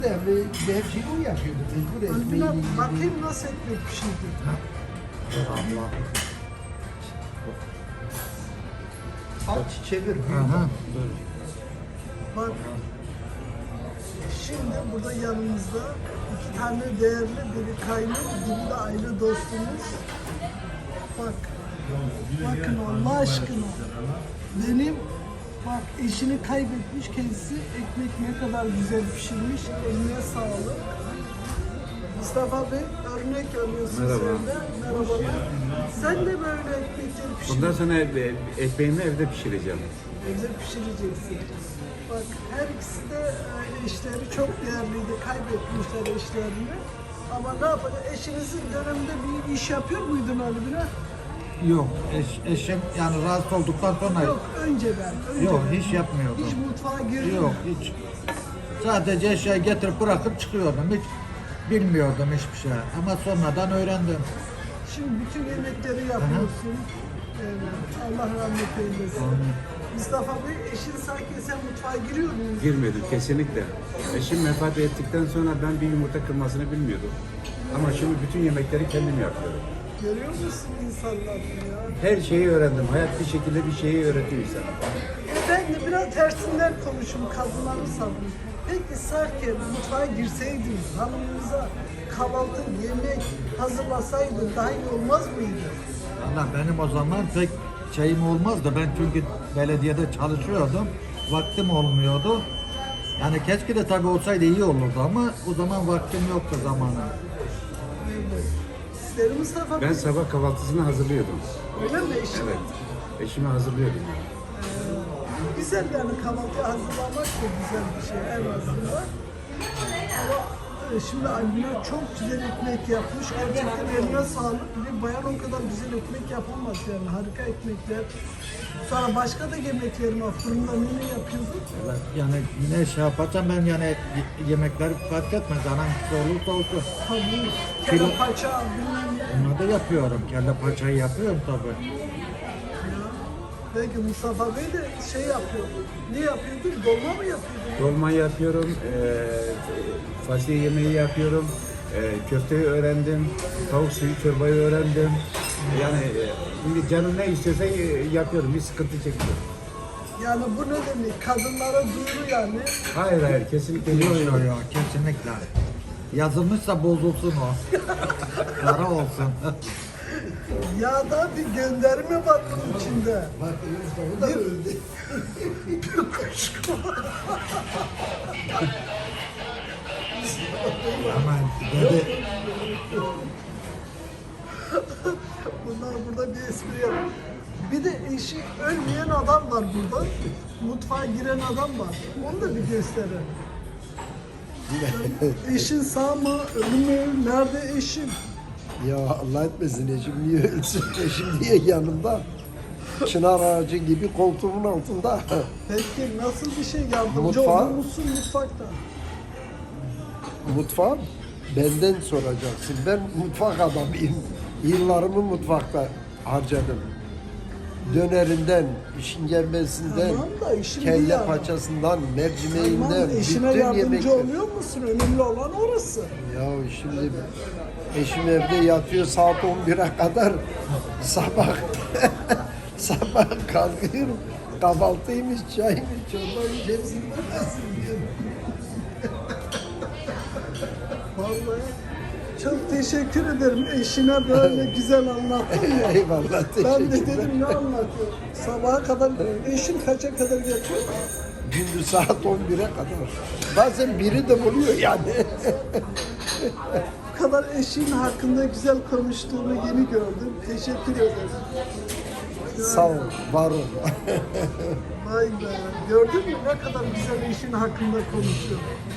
Her şeyi o yapıyordu. Mecbur ekmeği. Bakayım nasıl ekmek pişirdi. Aç çevir. Aha. Bak. Şimdi burada yanımızda iki tane değerli biri kaynım, biri de aile dostumuz. Bak. Bakın Allah aşkına. Benim bak eşini kaybetmiş kendisi ekmek ne kadar güzel pişirmiş. Eline sağlık. Mustafa Bey örnek alıyorsun Merhaba. sen de. Merhabalar. Sen de böyle ekmekleri pişir. Bundan sonra ekmeğimi evde pişireceğim. Evde pişireceksin. Bak her ikisi de eşleri çok değerliydi. Kaybetmişler eşlerini. Ama ne yapacak? Eşinizin döneminde bir iş yapıyor muydun Ali Bina? Yok, eşim yani rahatsız olduktan sonra Yok, önceden. yok, hiç yapmıyordum. Hiç mutfağa girdin Yok, mi? hiç. Sadece eşyayı getirip bırakıp çıkıyordum. Hiç bilmiyordum hiçbir şey. Ama sonradan öğrendim. Şimdi bütün yemekleri yapıyorsun. Allah rahmet eylesin. Mustafa Bey, eşin sanki sen mutfağa giriyor musun? Girmedim kesinlikle. Eşim vefat ettikten sonra ben bir yumurta kırmasını bilmiyordum. Ama şimdi bütün yemekleri kendim yapıyorum. Görüyor musun insanları ya? Her şeyi öğrendim. Hayat bir şekilde bir şeyi öğretiyor insana. Ben de biraz tersinden konuşum, kadınları savunum. Peki Sarker mutfağa girseydin, hanımınıza kahvaltı, yemek hazırlasaydın daha iyi olmaz mıydı? Valla benim o zaman pek şeyim olmazdı. Ben çünkü belediyede çalışıyordum. Vaktim olmuyordu. Yani keşke de tabii olsaydı iyi olurdu ama o zaman vaktim yoktu zamanı. Evet. Sizleri Mustafa Bey, Ben sabah kahvaltısını hazırlıyordum. öyle mi eşin? Evet. Eşime hazırlıyordum. Güzel yani kahvaltı hazırlamak da güzel bir şey en azından. Ama şimdi Albina çok güzel ekmek yapmış. Gerçekten eline sağlık. Bir bayan o kadar güzel ekmek yapamaz yani. Harika ekmekler. Sonra başka da yemeklerim var. Fırında ne yapıyordun? Yani ne şey yaparsam ben yani yemekler fark etmez. Hangisi olursa olsun. Tabii. Kilo- Kelle paça, bilmem ne. Onları da yapıyorum. Kelle paçayı yapıyorum tabii. Belki Mustafa Bey de şey yapıyor. Ne yapıyordun? Dolma mı yapıyordun? Dolma yapıyorum. Fasulye yemeği yapıyorum. Köfteyi öğrendim. Tavuk suyu çorbayı öğrendim. Yani şimdi canım ne istiyorsa yapıyorum. Bir sıkıntı çekmiyorum. Yani bu ne demek? Kadınlara duyuru yani. Hayır kesinlikle Yok değil. yok yok kesinlikle. Yazılmışsa bozulsun o. Kara olsun. Yağda bir gönderme var bunun içinde. Bak o da öldü. Bir kuşku. Ama dedi Bunlar burada bir espri yapıyor. Bir de eşi ölmeyen adam var burada. Mutfağa giren adam var. Onu da bir gösterelim. Eşin sağ mı? Ölü mü? Nerede eşin? Ya Allah etmesin eşim niye ölsün? Eşim niye yanımda? Çınar ağacı gibi koltuğumun altında. Peki nasıl bir şey yardımcı Mutfağı- olur musun mutfakta? Mutfağım benden soracaksın. Ben mutfak adamıyım. Yıllarımı mutfakta harcadım. Dönerinden, işkembesinden, Tamam da işin bir kelle yanı. paçasından, mercimeğinden, Tamam, eşine bütün yardımcı yemekler. oluyor musun? Önemli olan orası. Ya şimdi eşim evde yatıyor saat 11'e kadar sabah sabah kalkıyorum. Kahvaltıymış, çaymış, çorbaymış hepsini bilmesin diyorum. Vallahi çok teşekkür ederim. Eşine böyle güzel anlattın ya. Eyvallah Ben de teşekkürler. dedim ne anlatıyor? Sabaha kadar, eşin kaça kadar yatıyor? Gündüz saat 11'e kadar. Bazen biri de buluyor yani. Bu kadar eşin hakkında güzel konuştuğunu yeni gördüm. Teşekkür ederim. Sağ ol, var ol. Vay be. Gördün mü ne kadar güzel eşin hakkında konuşuyor.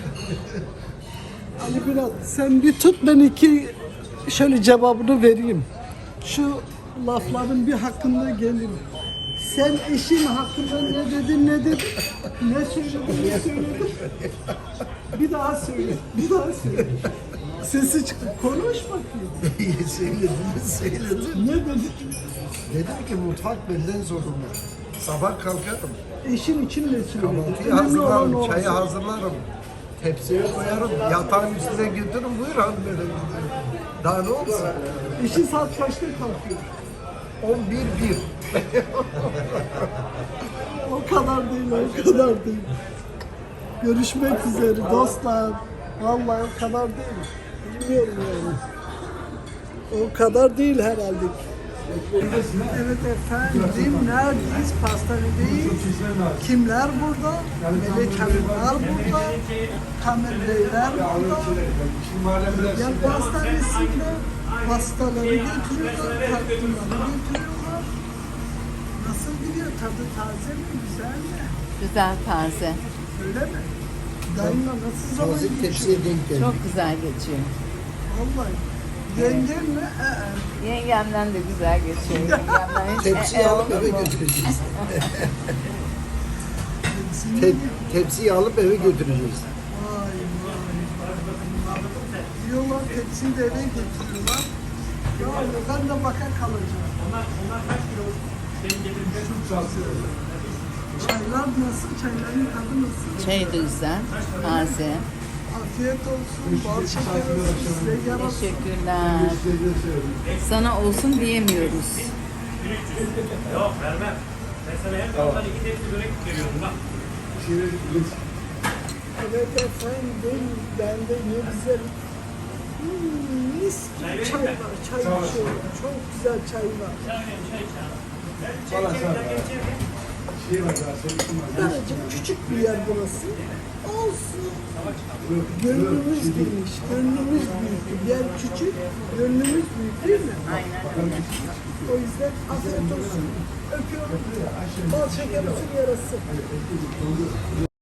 Ali Birat sen bir tut ben iki şöyle cevabını vereyim. Şu lafların bir hakkında gelin. Sen eşin hakkında ne dedin ne dedin? Ne söyledin ne söyledin? Bir daha söyle. Bir daha söyle. Sesi çıktı. Konuş bakayım. Söyledim. Ne dedin? Dedim ki mutfak benden sorumlu. Sabah kalkarım, Eşin için ne söyledin? kahvaltıyı Önemli olan hazırlarım, o çayı olsun. hazırlarım. Tepsiye koyarım. Yatağın üstüne götürün. Buyur hanımefendi. Daha ne olsun? İşi saat kaçta kalkıyor? 11-1. O kadar değil, o kadar değil. Görüşmek üzere dostlar. Vallahi o kadar değil. Bilmiyorum yani. O kadar değil herhalde. Evet efendim, neredeyiz? Pastanedeyiz. Kimler burada? Melek Hanımlar burada. Kamer Beyler burada. Yani pastanesinde pastaları götürüyorlar, tatlıları götürüyorlar. Nasıl gidiyor? Tadı taze mi? Güzel mi? Güzel, taze. Öyle mi? Dayımla nasıl zaman Taze geçiyor? tepsiye denk geldi. Çok güzel geçiyor. Vallahi. Yengem mi? Yengemden de güzel geçiyor. Yengemden hiç Tepsiyi alıp olur eve mu? götüreceğiz. Vay Tepsiyi alıp eve götüreceğiz. vay. Diyorlar tepsiyi de eve getiriyorlar. Ya ben de baka kalacağım. Çaylar nasıl? Çayların tadı nasıl? Çay da güzel, taze. Afiyet olsun, bal şeker olsun, size yarasın. Teşekkürler. Sana olsun diyemiyoruz. Yok vermem. Ben sana hem yoldan 2 tepsi börek veriyorum bak. Evet efendim, ben de ne güzel. Mis gibi çay var, çay içiyorum. Çok güzel çay var. Daracık küçük bir yer burası. Olsun. Gönlümüz geniş, gönlümüz büyük. Yer küçük, gönlümüz büyük değil mi? Aynen öyle. O yüzden afiyet olsun. Öpüyorum. Bal şeker olsun yarası.